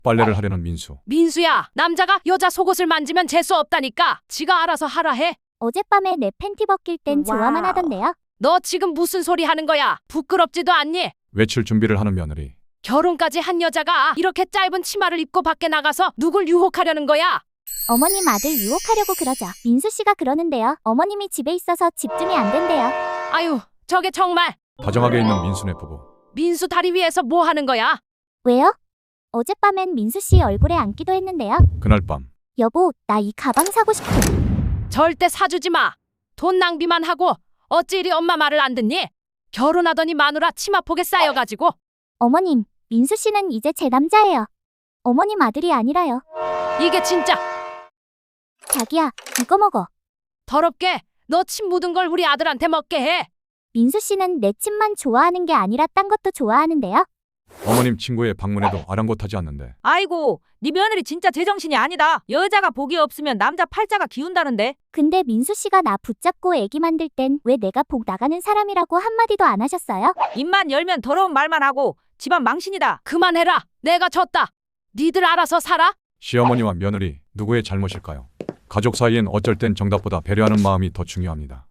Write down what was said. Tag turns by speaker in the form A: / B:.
A: 빨래를 하려는 민수.
B: 민수야, 남자가 여자 속옷을 만지면 재수 없다니까. 지가 알아서 하라 해.
C: 어젯밤에 내 팬티 벗길 땐 좋아만 하던데요.
B: 너 지금 무슨 소리 하는 거야? 부끄럽지도 않니?
A: 외출 준비를 하는 며느리.
B: 결혼까지 한 여자가 이렇게 짧은 치마를 입고 밖에 나가서 누굴 유혹하려는 거야?
C: 어머님 아들 유혹하려고 그러죠. 민수 씨가 그러는데요. 어머님이 집에 있어서 집중이 안 된대요.
B: 아유, 저게 정말.
A: 다정하게 있는 민수네 부부.
B: 민수 다리 위에서 뭐 하는 거야?
C: 왜요? 어젯밤엔 민수 씨 얼굴에 앉기도 했는데요.
A: 그날 밤
C: 여보, 나 이 가방 사고 싶어.
B: 절대 사주지 마. 돈 낭비만 하고 어찌 이리 엄마 말을 안 듣니? 결혼하더니 마누라 치마폭에 쌓여가지고.
C: 어머님, 민수 씨는 이제 제 남자예요. 어머님 아들이 아니라요.
B: 이게 진짜
C: 자기야, 이거 먹어.
B: 더럽게 너 침 묻은 걸 우리 아들한테 먹게 해.
C: 민수 씨는 내 침만 좋아하는 게 아니라 딴 것도 좋아하는데요.
A: 어머님 친구의 방문에도 아랑곳하지 않는데
D: 아이고, 네 며느리 진짜 제정신이 아니다. 여자가 복이 없으면 남자 팔자가 기운다는데.
C: 근데 민수 씨가 나 붙잡고 애기 만들 땐 왜 내가 복 나가는 사람이라고 한마디도 안 하셨어요?
D: 입만 열면 더러운 말만 하고 집안 망신이다.
B: 그만해라. 내가 졌다. 니들 알아서 살아.
A: 시어머니와 며느리 누구의 잘못일까요? 가족 사이엔 어쩔 땐 정답보다 배려하는 마음이 더 중요합니다.